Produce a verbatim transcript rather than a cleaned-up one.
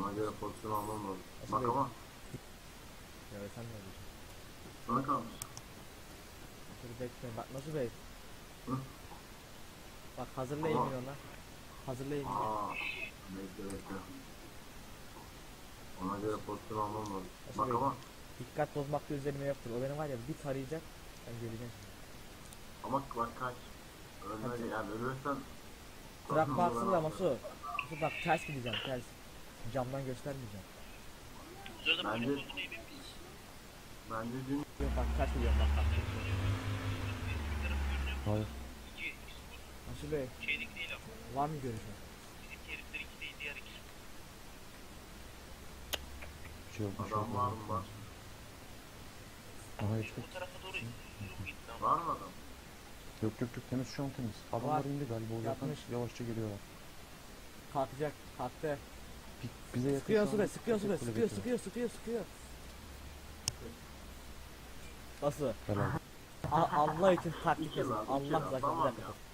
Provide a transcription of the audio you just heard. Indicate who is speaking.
Speaker 1: Ona göre pozisyon almam lazım.
Speaker 2: Nasıl
Speaker 1: Bak
Speaker 2: değil?
Speaker 1: ama
Speaker 2: Ya sen ne diyorsun?
Speaker 1: sana kalmış.
Speaker 2: Dur bekle bak nasıl bey?
Speaker 1: Hı?
Speaker 2: Bak hazırlayın
Speaker 1: Ama-
Speaker 2: ona. Hazırlayın.
Speaker 1: Aa, bekle bekle. Ona göre pozisyon almam lazım.
Speaker 2: Nasıl
Speaker 1: Bak
Speaker 2: değil?
Speaker 1: ama
Speaker 2: Dikkat bozmakta üzerime yoktur. O benim var ya bir tarayacak. Ben göreceğim.
Speaker 1: ama bak kaç. Ölmedi yani ölürsen.
Speaker 2: Trak baksın da Masu. Masu bak ters gideceğim ters. Camdan göstermeyeceğim.
Speaker 1: Bence bence dün
Speaker 2: Yok bak ters gidiyorum bak bak.
Speaker 3: Hayır.
Speaker 2: Masu Bey
Speaker 4: Şeylik değil ama.
Speaker 2: var mı görüşün?
Speaker 4: Bizimki herifler iki değil, diğer iki.
Speaker 3: Bir şey yok. Bir şey
Speaker 1: adam var mı var?
Speaker 3: yok. Aha işte.
Speaker 4: Bu tarafa doğru yürü gitti ama.
Speaker 1: Var mı adam?
Speaker 3: Yok yok yok temiz şu an temiz. Adamlar
Speaker 2: Var.
Speaker 3: indi galiba uzaktan
Speaker 2: Yapmış.
Speaker 3: yavaşça geliyorlar.
Speaker 2: Kalkacak kalktı.
Speaker 3: Bi- Bize yakın
Speaker 2: Sıkıyor
Speaker 3: şu an
Speaker 2: sıkıyor sıkıyor
Speaker 3: tek
Speaker 2: sıkıyor
Speaker 3: kule
Speaker 2: sıkıyor
Speaker 3: bekliyor.
Speaker 2: sıkıyor sıkıyor sıkıyor. Nasıl?
Speaker 3: Helal.
Speaker 2: A- Allah için taktik
Speaker 1: İki
Speaker 2: yazın.
Speaker 1: lan, iki
Speaker 2: Allah
Speaker 1: lan,
Speaker 2: zaten bir
Speaker 1: tamam
Speaker 2: dakika.
Speaker 1: ya.